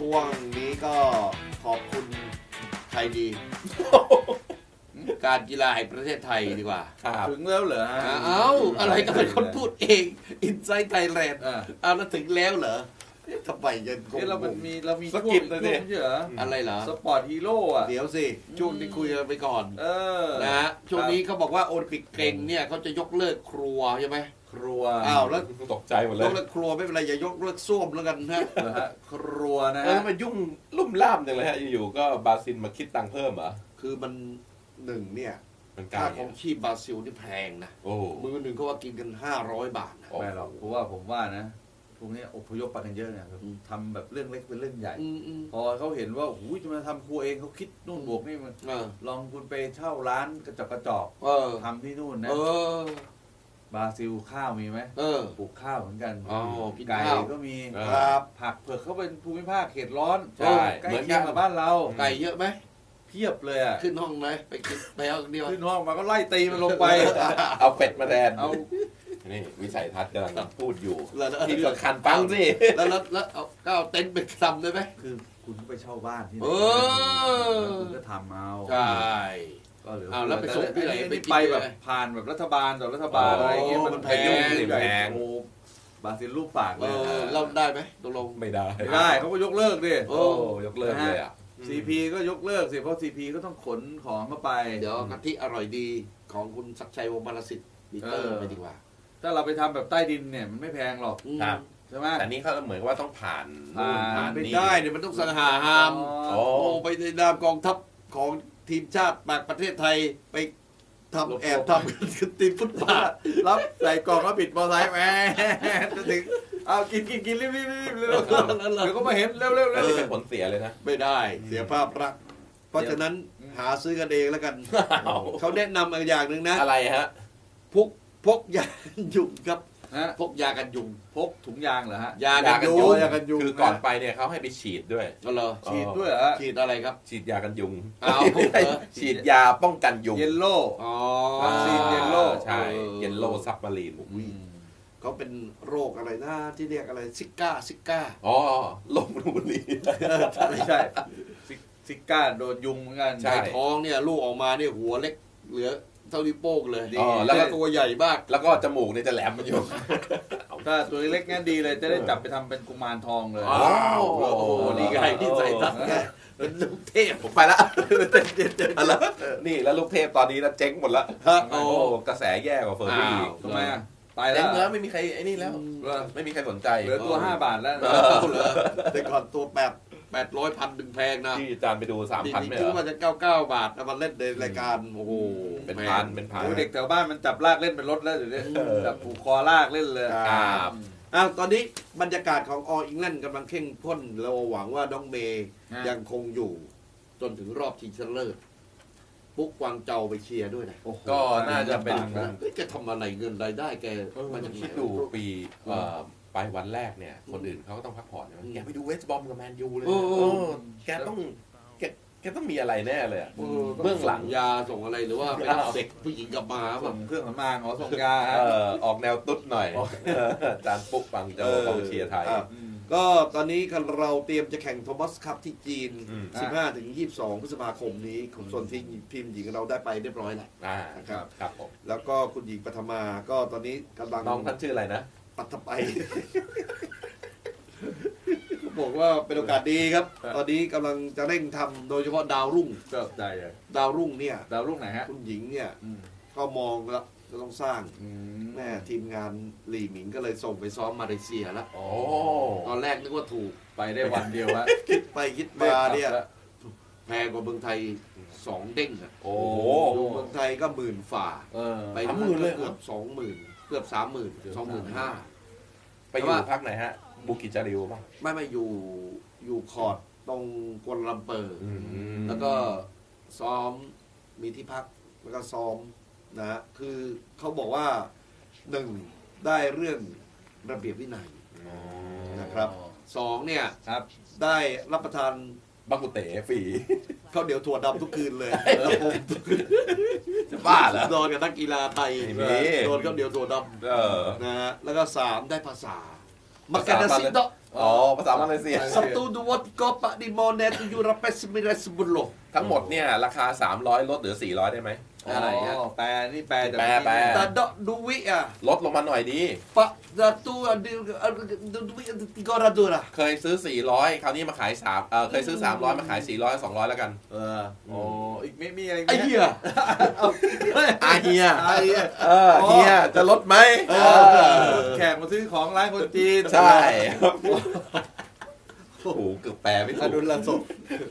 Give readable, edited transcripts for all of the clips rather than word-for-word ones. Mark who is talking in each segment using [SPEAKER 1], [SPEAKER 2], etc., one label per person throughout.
[SPEAKER 1] ช่วงนี้ก็ขอบคุณไทยดี การกีฬาแห่งประเทศไทยดีกว่า
[SPEAKER 2] ถึงแล้วเหรอฮะ
[SPEAKER 1] อะไรก็เป็นคนพูดเองอินไซต์ไทยแลนด์แล้วถึงแล้วเหรอทำไมยังคง
[SPEAKER 2] เรามี
[SPEAKER 3] สกิปเลยเนี่ย
[SPEAKER 2] เหรอ
[SPEAKER 1] อะไรเหรอ
[SPEAKER 2] สปอร์ตฮีโร่อะ
[SPEAKER 1] เดี๋ยวสิช่วงนี้คุยกันไปก่อน นะฮะช่วงนี้เขาบอกว่าโอลิมปิกเก่งเนี่ยเขาจะยกเลิกครัวใช่ไหม
[SPEAKER 2] ครัว
[SPEAKER 1] แล้ว
[SPEAKER 3] ตกใจหมดเลย
[SPEAKER 1] ยกเลิกครัวไม่เป็นไรอย่ายกเลิกส้วมแล้วกันนะ
[SPEAKER 2] ครัวนะ
[SPEAKER 3] มันยุ่งลุ่มล่ามจังเลยฮะอยู่ๆก็บราซิลมาคิดตังค์เพิ่มเหรอ
[SPEAKER 1] คือมันหนึ่งเนี่ย
[SPEAKER 3] มันกลา
[SPEAKER 1] ค่าย ของชีพบราซิลนี่แพงนะ
[SPEAKER 3] โอ้
[SPEAKER 1] มือหนึ่งเขาว่ากินกัน500 บาทนะ
[SPEAKER 2] ไม่หรอกเพราะว่าผมว่านะพวกนี้อพยพไปกันเยอะเนี่ยทำแบบเรื่องเล็กเป็นเรื่องใหญ่พอเขาเห็นว่าหูยจะมาทำครัวเองเขาคิดนู่นบวกนี่มันลองคุณไปเช่าร้านกระจอกทำที่นู่นนะบราซิลข้าวมีไหมปลูกข้าวเหมือนกันไก่ก็มีผักเผือกเขาเป็นภูมิภาคเขตร้อนใช่เหมือนกันกับบ้านเรา
[SPEAKER 1] ไก่เยอะไหม
[SPEAKER 2] เพียบเลยอ่ะ
[SPEAKER 1] ขึ้นห้องไหมไปกินไปเอาเดียว
[SPEAKER 2] ขึ้นห้องมาก็ไล่ตีมันลงไป
[SPEAKER 3] เอาเป็ดมาแทน
[SPEAKER 2] เอา
[SPEAKER 3] นี่วิสัยทัศน์กำลังพูดอยู่
[SPEAKER 1] แล้ว
[SPEAKER 3] ที่ก็คันปังสิ
[SPEAKER 1] แล้วเอาเต็นท์ไปทำได้ไหม
[SPEAKER 2] คือคุณไปเช่าบ้านที่ไหนคุณก็ทำเอา
[SPEAKER 1] ใช่
[SPEAKER 2] ก็เหลือ
[SPEAKER 1] แล้วไปส่งที่ไหน
[SPEAKER 2] ไปแบบผ่านแบบรัฐบาลต่อรัฐบาลอะไรเงี้ยมันแพงบราซิลรูปปากเลย
[SPEAKER 1] เราได้ไหมตกลง
[SPEAKER 3] ไม่ได้
[SPEAKER 2] เขาก็ยกเลิกดิ
[SPEAKER 3] ยกเลิกเลยอ่ะ
[SPEAKER 2] ซีพีก็ยกเลิกสิเพราะซีพีก็ต้องขนของเข้าไป
[SPEAKER 1] เดี๋ยวกะทิอร่อยดีของคุณศักดิ์ชัยวงศ์บรรสิทธิ์บีเตอร์ไปดีกว่า
[SPEAKER 2] ถ้าเราไปทำแบบใต้ดินเนี่ยมันไม่แพงหรอกใช่ไหม
[SPEAKER 3] แต่นี่เขาเหมือนว่าต้องผ่าน
[SPEAKER 1] ไม่ได้เนี่ยมันต้องสังหาหามไปในนามกองทัพของทีมชาติประเทศไทยไปทำแอบทำทีมฟุตบอล
[SPEAKER 2] รับใส่กล่องแล้วปิดมอไซค์แหมจะถึงเอากินรีบเดี๋ยวก็มาเห็นเร็ว
[SPEAKER 3] เป็นผลเสียเลยนะ
[SPEAKER 1] ไม่ได้เสียภาพลักษณ์เพราะฉะนั้นหาซื้อกันเองแล้วกันเขาแนะนำอย่างหนึ่งนะ
[SPEAKER 3] อะไรฮะ
[SPEAKER 1] พกยากันยุงครับพกยากันยุง
[SPEAKER 2] พกถุงยางเหรอฮะ
[SPEAKER 1] ยากันยุง
[SPEAKER 3] คือก่อนไปเนี่ยเขาให้ไปฉีดด้วย
[SPEAKER 2] ฉีดด้วยเหรอ
[SPEAKER 1] ฉีดอะไรครับ
[SPEAKER 3] ฉีดยากันยุงฉีดยาป้องกันยุง
[SPEAKER 2] เยลโล่
[SPEAKER 3] วัคซีนเยลโล่ใช่เยลโล่ซับมารีน
[SPEAKER 1] เขาเป็นโรคอะไรนะที่เรียกอะไรซิก้า
[SPEAKER 3] โรคนูนี
[SPEAKER 2] ไม่ใช่ซิก้าโดนยุงเหมือนกัน
[SPEAKER 1] ใช่ท้องเนี่ยลูกออกมาเนี่ยหัวเล็กเหลือเท่านิ้วโป้งเลยแล้วก็ตัวใหญ่มาก
[SPEAKER 3] แล้วก็จมูกเนี่ยจะแหลมมันอยู่
[SPEAKER 2] ถ้าตัวเล็กงั้นดีเลยจะได้จับไปทำเป็นกุมารทองเลย
[SPEAKER 1] โอ้โหนี่ไงที่ใส่ตัดไงเป็นลูกเทพ
[SPEAKER 3] ผมไปละนี่แล้วลูกเทพตอนนี้นะเจ๊งหมดละโอ้กระแสแย่กว่าเฟอร์รี่
[SPEAKER 2] ทำไมตายแล้ว
[SPEAKER 3] ไม่มีใครไอ้นี่แล้วไม่มีใครสนใจ
[SPEAKER 2] เหลือตัว5 บาทแล้ว
[SPEAKER 1] แต่ก่อนตัว800,000ดึงแพงนะ
[SPEAKER 3] ที่อาจารย์ไปดู 3,000 ไม่
[SPEAKER 1] ถึงว่าจะ99 บาทมาเล่นในรายการโอ้โห
[SPEAKER 3] เป็นพัน
[SPEAKER 2] เด็กแถวบ้านมันจับลากเล่นเป็นรถแล้วเดี๋ยวนี้จับผูกคอลากเล่นเลย
[SPEAKER 1] ตอนนี้บรรยากาศของออิงแลนด์กำลังเข้มข้นเราหวังว่าน้องเมย์ยังคงอยู่จนถึงรอบชิงชนะเลิศปุ๊กกวางเจาไปเชียร์ด้วยนะ
[SPEAKER 3] ก็น่าจะเป็น
[SPEAKER 1] แกทำอะไรเงินรายได้แก
[SPEAKER 3] มันจะคิดดูปีไปวันแรกเนี่ยคนอื่นเขาก็ต้องพักผ่อนใช่ไหมแกไปดูเวสต์บอมกับแมนยูเลยแกต้องมีอะไรแน่เลย
[SPEAKER 1] เบื้องหลังยาส่งอะไรหรือว่าไปรับเด็กผู้หญิงกลับมา
[SPEAKER 2] ส่งเครื่องสำอางส่งยา
[SPEAKER 3] ออกแนวตุ๊ดหน่อยจานปุ๊กฟังเจ้ากองเชียร์ไทย
[SPEAKER 1] ก็ตอนนี้เราเตรียมจะแข่งโทมัสคัพที่จีน 15-22 พฤษภาคมนี้ส่วนทีมหญิงเราได้ไปเรียบร้อยแล้ว
[SPEAKER 3] ครับผม
[SPEAKER 1] แล้วก็คุณหญิงปฐมาก็ตอนนี้กำลัง
[SPEAKER 3] น้องท่านชื่ออะไรนะ
[SPEAKER 1] ปัทไปบอกว่าเป็นโอกาสดีครับตอนนี้กำลังจะเร่งทำโดยเฉพาะดาวรุ่ง
[SPEAKER 2] ใจ
[SPEAKER 1] ดาวรุ่งเนี่ย
[SPEAKER 2] ดาวรุ่งไหนฮะ
[SPEAKER 1] คุณหญิงเนี่ยก็มองแล้วจะต้องสร้างแม่ทีมงานหลี่หมิงก็เลยส่งไปซ้อมมาเลเซียแล้วตอนแรกนึกว่าถูก
[SPEAKER 2] ไปได้วันเดียวฮะ
[SPEAKER 1] คิดไปคิดมาเนี่ยแพงกว่าเมืองไทย2 เด้งอ่ะ
[SPEAKER 3] โอ้
[SPEAKER 1] เมืองไทยก็10,000 ฝ่าไป10,000เลยเกือบ20,000เกือบ30,000 25,000
[SPEAKER 3] ไปอยู่พักไหนฮะบุกิจาริวป่ะ
[SPEAKER 1] ไม่อยู่คอร์ดตรงกัวลาลัมเปอร์แล้วก็ซ้อมมีที่พักแล้วก็ซ้อมนะคือเขาบอกว่า1ได้เรื่องระเบียบวินัยนะครับ2เนี่ยได้รับประทาน
[SPEAKER 3] บักกุเต๋ฟรี
[SPEAKER 1] ข้าวเหนียวถั่วดำทุกคืนเลย
[SPEAKER 3] จะบ้าเหรอ
[SPEAKER 1] โดนกับนักกีฬาไทยโดนข้าวเหนียวถั่วดำนะฮะแล้วก็3ได้ภาษา Makan nasi dok.
[SPEAKER 3] อ๋อภาษามาเลเซีย
[SPEAKER 1] Satu dua tiga empat lima enam tujuh lapan sembilan 10.
[SPEAKER 3] ทั้งหมดเนี่ยราคา300ลดเหลือ400ได้ไหม
[SPEAKER 2] อะไรฮะแปลนี่แปลจาก
[SPEAKER 3] แปล
[SPEAKER 1] Tak ada duit ah.
[SPEAKER 3] ลดลงมาหน่อยดี
[SPEAKER 1] Pak satu ada duit 300 lah.
[SPEAKER 3] เคยซื้อ400คราวนี้มาขายเคยซื้อ300มาขาย400 200แล้วกัน
[SPEAKER 2] โอ้อีกไม่มีอะไร
[SPEAKER 1] Ai ya?
[SPEAKER 3] เฮียเฮียจะลดไหม
[SPEAKER 2] แขกมาซื้อของร้านคนจีน
[SPEAKER 3] ใช่โอ้โหเกือบแปลไม่ถู
[SPEAKER 1] อก นุละศพ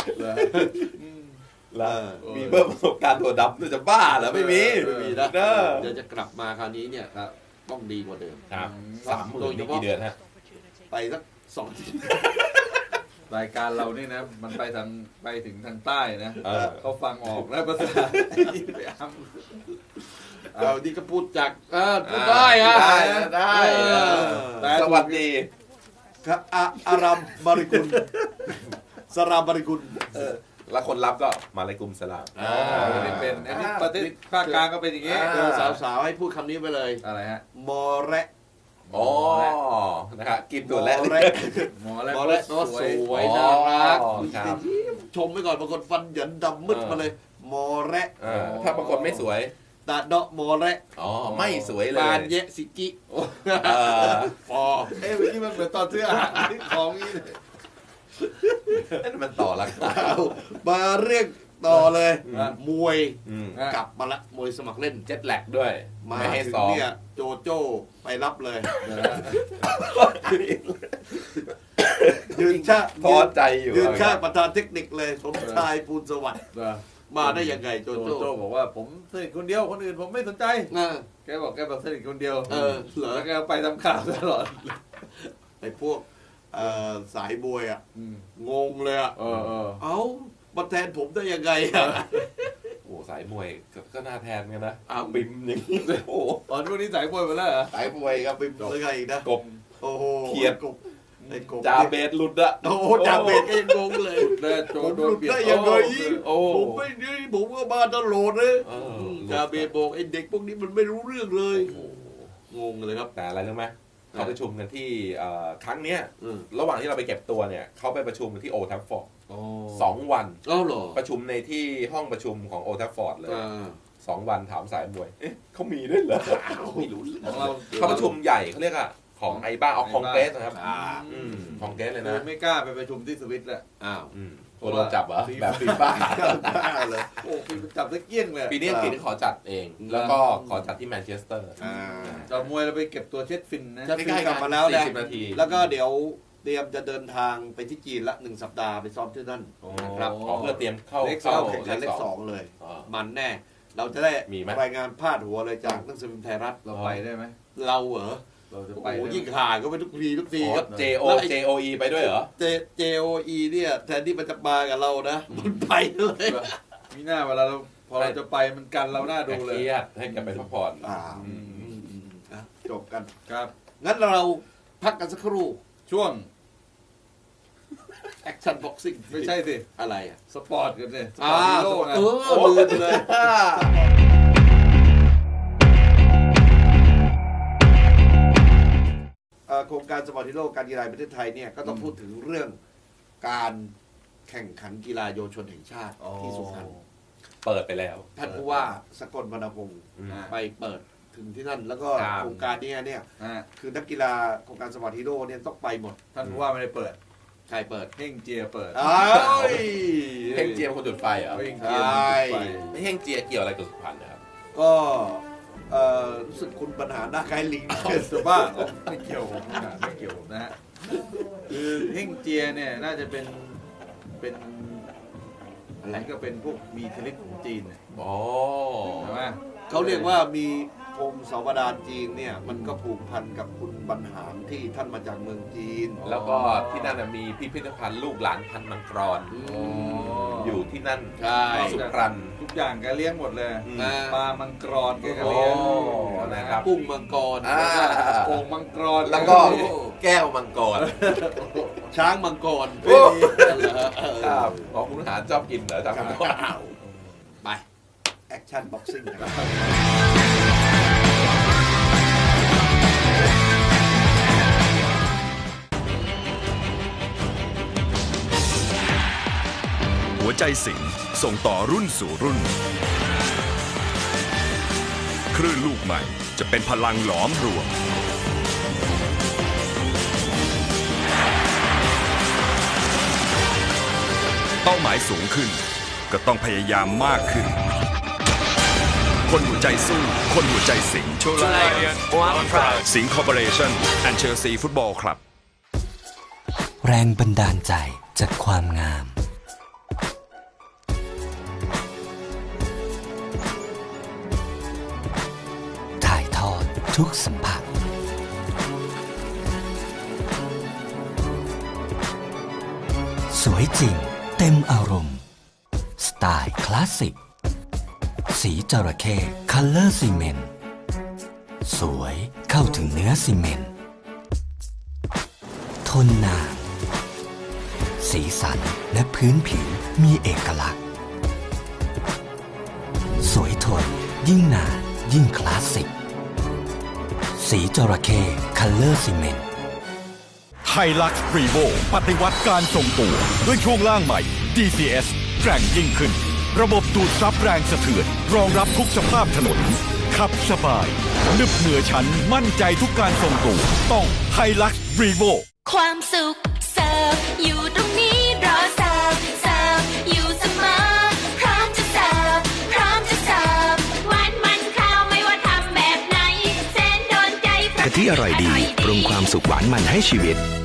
[SPEAKER 3] แล้วมีเพิ่มประสบการณ์ตัวดำด้วยจะบ้าเหรอไม่มี
[SPEAKER 1] ไม่มีนะ
[SPEAKER 3] เด้อ
[SPEAKER 1] เดี๋ยวจะกลับมาคราวนี้เนี่ยต้องดีกว่าเดิม
[SPEAKER 3] ครับ30,000นี่กี่เดือนฮะ
[SPEAKER 1] ไปสัก2 อาทิตย์
[SPEAKER 2] รายการเรานี่นะมันไปถึงทางใต้นะ เขาฟังออกแล้วภาษาไปอ้ำ
[SPEAKER 1] เอานี่ก็พูดจากพูดได้ฮะ
[SPEAKER 3] ได้
[SPEAKER 2] แต่
[SPEAKER 3] สวัสดี
[SPEAKER 1] ครับอารามบาริกุลสรามบาริกุล
[SPEAKER 3] แล้วคนรับก็มาเลยกลุ่มสลาม
[SPEAKER 2] เป็นอันนี้ประเทศภาคกลางก็เป็นอย่างนี้
[SPEAKER 1] สาวๆให้พูดคำนี้ไปเลย
[SPEAKER 2] อะไรฮะ
[SPEAKER 1] มอแระ
[SPEAKER 3] อ๋อนะครับกินตัวแรก
[SPEAKER 1] มอแระ
[SPEAKER 2] หมอแล้ว
[SPEAKER 1] มอแระแปลว่าสวยน่ารักชมไปก่อนบางคนฟันเหยินดำมืดมาเลยมอแระ
[SPEAKER 3] ถ้าปรากฏไม่สวย
[SPEAKER 1] ตาดอกมอแระ
[SPEAKER 3] อ๋อไม่สวยเลย
[SPEAKER 1] บานเยะสิกิฟอ
[SPEAKER 2] เอ้ยเมื่อกี้มันเหมือนตอนซื้ออาหารที่ของนี่เลย
[SPEAKER 3] นั่นมันต่อราคา
[SPEAKER 1] มาเรียกต่อเลย มวย
[SPEAKER 2] อ่ะ
[SPEAKER 1] กลับมาละมวยสมัครเล่น
[SPEAKER 3] เจ็ตแลกด้วย
[SPEAKER 1] มา
[SPEAKER 3] ไม่ให้
[SPEAKER 1] ถึง
[SPEAKER 3] ซ้อม
[SPEAKER 1] เนี่ยโจโจ้ไปรับเลย ยืนชา
[SPEAKER 3] ท้อใจอยู่
[SPEAKER 1] ยืนชาประธานเทคนิคเลยสมชายปูนสวัสดิ์มาได้ยังไงโจ
[SPEAKER 2] โจ
[SPEAKER 1] โจ้
[SPEAKER 2] โจ้บอกว่าผมสนิทคนเดียวคนอื่นผมไม่สนใจ
[SPEAKER 1] น่ะ
[SPEAKER 2] แกบอกแกแบบสนิทคนเดียว
[SPEAKER 1] เหรอ
[SPEAKER 2] แล้วแกไปทำข่าวตลอด
[SPEAKER 1] ไอ้พวกสายบวยอ่ะ
[SPEAKER 2] อืม
[SPEAKER 1] งงเลยอ่ะ
[SPEAKER 2] เออ
[SPEAKER 1] เอ้ามาแทนผมได้ยังไงอ่ะ
[SPEAKER 3] โอ้สายมวยก็น่าแทนกันนะ
[SPEAKER 1] อ้าว
[SPEAKER 3] บิมอย่างนี้เลยโอ้
[SPEAKER 2] ตอนพวกนี้สายมวยหมดแล้วเหรอ
[SPEAKER 3] สายมวยครับ
[SPEAKER 1] ไปแล้วไงอีกนะ
[SPEAKER 3] กบ
[SPEAKER 1] โอ้โห
[SPEAKER 3] เขียด
[SPEAKER 1] กบไอ้กบ
[SPEAKER 3] จาเบสหลุดอะ
[SPEAKER 1] โอ้โหจ่าเบสก็ยังงงเลย
[SPEAKER 2] แล้วโจ
[SPEAKER 1] ผม
[SPEAKER 2] โด
[SPEAKER 1] ห
[SPEAKER 2] น
[SPEAKER 1] ลุด
[SPEAKER 2] เบียด
[SPEAKER 1] ได้ยังไง
[SPEAKER 3] โอ้
[SPEAKER 1] ผมไม่ได้ผมก็มาตลอดเลย
[SPEAKER 3] เออ
[SPEAKER 1] จ่าเบสบอกไอ้เด็กพวกนี้มันไม่รู้เรื่องเลย
[SPEAKER 3] โอ้โห
[SPEAKER 1] งงเลยครับ
[SPEAKER 3] แต่อะไรรู้ไหมเขาประชุมกันที่ครั้งเนี้ย
[SPEAKER 1] อืม
[SPEAKER 3] ระหว่างที่เราไปเก็บตัวเนี่ยเขาไปประชุมกันที่โอทัฟฟอร์ด
[SPEAKER 1] อ๋อ
[SPEAKER 3] 2 วัน
[SPEAKER 1] เอ้าเหรอ
[SPEAKER 3] ประชุมในที่ห้องประชุมของโอทัฟฟอร์ดเลย
[SPEAKER 1] อ่า
[SPEAKER 3] 2 วันถามสายมวยเอ๊ะเขามีด้วยเหรอไม่รู้
[SPEAKER 2] ของเรา
[SPEAKER 3] เขาประชุมใหญ่เขาเรียกอะของไอบ้าเอาคองเกรสนะครับ
[SPEAKER 1] อ่า
[SPEAKER 3] คองเกรสเลย
[SPEAKER 2] คือ
[SPEAKER 3] นะ
[SPEAKER 2] ไม่กล้าไปประชุมที่สวิตแหละ
[SPEAKER 1] อ้าว
[SPEAKER 3] โดนจับเหรอแบบฟีฟ่า
[SPEAKER 1] บ้าเลย
[SPEAKER 2] โอ้คือมันจับตะเกียงเลย
[SPEAKER 3] ปีนี้อังกฤษขอจัดเอง แล้วก็ขอจัดที่แมนเชสเตอร์
[SPEAKER 1] อ่า
[SPEAKER 2] จับมวยเราไปเก็บตัวเช็ดฟินนะ
[SPEAKER 1] จะ ฟินกลับมาแล้วนะ
[SPEAKER 3] 40 นาที
[SPEAKER 1] แล้วก็เดี๋ยวเตรียมจะเดินทางไปที่จีนละ1 สัปดาห์ไปซ้อมที่นั่นนะครับ
[SPEAKER 3] ขอเพื่อเตรียมเข้า
[SPEAKER 1] เข้าแข่งขันเลข
[SPEAKER 3] สอง
[SPEAKER 1] 2เลย
[SPEAKER 3] อ๋อ
[SPEAKER 1] มันแน่ เราจะได้
[SPEAKER 3] มีไหม
[SPEAKER 1] รายงานพาดหัวเลยจากหนังสือพิมพ์ไทยรัฐ
[SPEAKER 2] เราไปได้ไหม
[SPEAKER 1] เราเหรอ
[SPEAKER 2] เราจะ
[SPEAKER 1] โอ้
[SPEAKER 2] ไป
[SPEAKER 1] โห
[SPEAKER 2] ได้ไหม
[SPEAKER 1] ยิ่งห่างก็ไปทุกทีครับ
[SPEAKER 3] JOE ไปด้วยเหรอ
[SPEAKER 1] JOE เนี่ยแทนที่มันจะมากับเรานะ มันไปเลย
[SPEAKER 2] มีหน้าเวลาเราพอเราจะไปมันกันเราหน้าดูเลย
[SPEAKER 3] เครียดให้แกไปพักผ่อน
[SPEAKER 1] นะจบกัน
[SPEAKER 2] ครับ
[SPEAKER 1] งั้นเราพักกันสักครู่
[SPEAKER 2] ช่วง
[SPEAKER 1] แอคชั่นบ็อกซิ่ง
[SPEAKER 2] ไม่ใช่สิ
[SPEAKER 1] อะไรอ่ะ
[SPEAKER 2] สปอร์ตกันสิสปอร์ตฮีโร่ไง
[SPEAKER 1] ลืมเลย โครงการสปอร์ตฮีโร่การกีฬาแห่งประเทศไทยเนี่ยก็ต้องพูดถึงเรื่องการแข่งขันกีฬาเยาวชนแห่งชาติที่สุพรรณ
[SPEAKER 3] เปิดไปแล้ว
[SPEAKER 1] ท่านผู้ว่าสกลวรรณพงศ์
[SPEAKER 3] อืม
[SPEAKER 1] ไปเปิดถึงที่นั่น แล้วก็
[SPEAKER 3] ครับ
[SPEAKER 1] โครงการนี้เนี่ย
[SPEAKER 2] อ่า
[SPEAKER 1] คือนักกีฬาโครงการสปอร์ตฮีโร่เนี่ยต้องไปหมด
[SPEAKER 2] ท่านผู้ว่าไม่ได้เปิด
[SPEAKER 1] ใครเปิด
[SPEAKER 2] เฮ่งเจียเปิด
[SPEAKER 1] อ้าว
[SPEAKER 3] เฮงเจียมคนจุดไฟเหรอ
[SPEAKER 2] เฮ่งเจีย
[SPEAKER 1] ใช่
[SPEAKER 2] ไป
[SPEAKER 3] ไม่เฮงเจียเกี่ยวอะไรกับสุพรรณนะครับ
[SPEAKER 1] ก็รู้สึกคุณปัญหาหน้าคล้ายลิง
[SPEAKER 2] จะบ้าเหรอไม่เกี่ยวผมนะไม่เกี่ยวผมนะฮะคือเฮ่งเจียเนี่ยน่าจะเป็นอะไรก็เป็นพวกมีอิทธิฤทธิ์ของจีนเนี่ย
[SPEAKER 3] อ๋อ
[SPEAKER 2] ใช่ไหม
[SPEAKER 1] เขาเรียกว่ามีพงศาวดารจีนเนี่ยมันก็ผูกพันกับคุณบรรหารที่ท่านมาจากเมืองจีน
[SPEAKER 3] แล้วก็ที่นั่นนะมีพิพิธภัณฑ์ลูกหลานพันธุ์มังกร อยู่ที่นั่น
[SPEAKER 1] ใช่
[SPEAKER 3] สุพรรณ
[SPEAKER 2] ทุกอย่างแกเลี้ยงหมดเลย
[SPEAKER 1] อ่า
[SPEAKER 2] ปลามังกรแกก็
[SPEAKER 3] โอ้
[SPEAKER 2] เลี้ยง
[SPEAKER 3] นะครับ
[SPEAKER 1] กุ้งมังกร
[SPEAKER 3] อ่า
[SPEAKER 2] โอ่งมังกร
[SPEAKER 3] แล้วก็แก้วมังกร
[SPEAKER 1] ช้างมังกร
[SPEAKER 3] โอ้
[SPEAKER 1] ครับ
[SPEAKER 3] ขอคุณหารชอบกินเหรอจำมังกร
[SPEAKER 1] ไป แอคชั่นบ็อกซิ่งนะครับ
[SPEAKER 4] ใจสิงห์ส่งต่อรุ่นสู่รุ่นคลื่นลูกใหม่จะเป็นพลังหลอมรวมเป้าหมายสูงขึ้นก็ต้องพยายามมากขึ้นคนหัวใจสู้คนหัวใจสิงห์สิงห์คอร์ปอเรชั่นแอนด์เชลซีฟุตบอลคลับ
[SPEAKER 5] แรงบันดาลใจจากความงามถ่ายทอดทุกสัมผัสสวยจริงเต็มอารมณ์สไตล์คลาสสิกสีจระเข้คัลเลอร์ซีเมนต์สวยเข้าถึงเนื้อซีเมนต์ทนนานสีสันและพื้นผิวมีเอกลักษณ์สวยทนยิ่งนานยิ่งคลาสสิกสีจระเข้คัลเลอร์ซีเมนต์
[SPEAKER 6] ไฮลักซ์รีโวปฏิวัติการทรงตัวด้วยช่วงล่างใหม่ DCS แกร่งยิ่งขึ้นระบบดูดซับแรงสะเทือนรองรับทุกสภาพถนนขับสบายนึบเหนือชั้นมั่นใจทุกการทรงตัวต้องไฮลักซ์รีโว
[SPEAKER 7] ความสุขเสิร์ฟอยู่ตรงนี้รอเสิร์ฟอยู่เสมอพร้อมจะเสิร์ฟพร้อมจะเสิร์ฟหวานมันข้าวไม่ว่าทำแบบไหนแสนโดนใจ
[SPEAKER 8] กะทิอร่อยดีปรุงความสุขหวานมันให้ชีวิต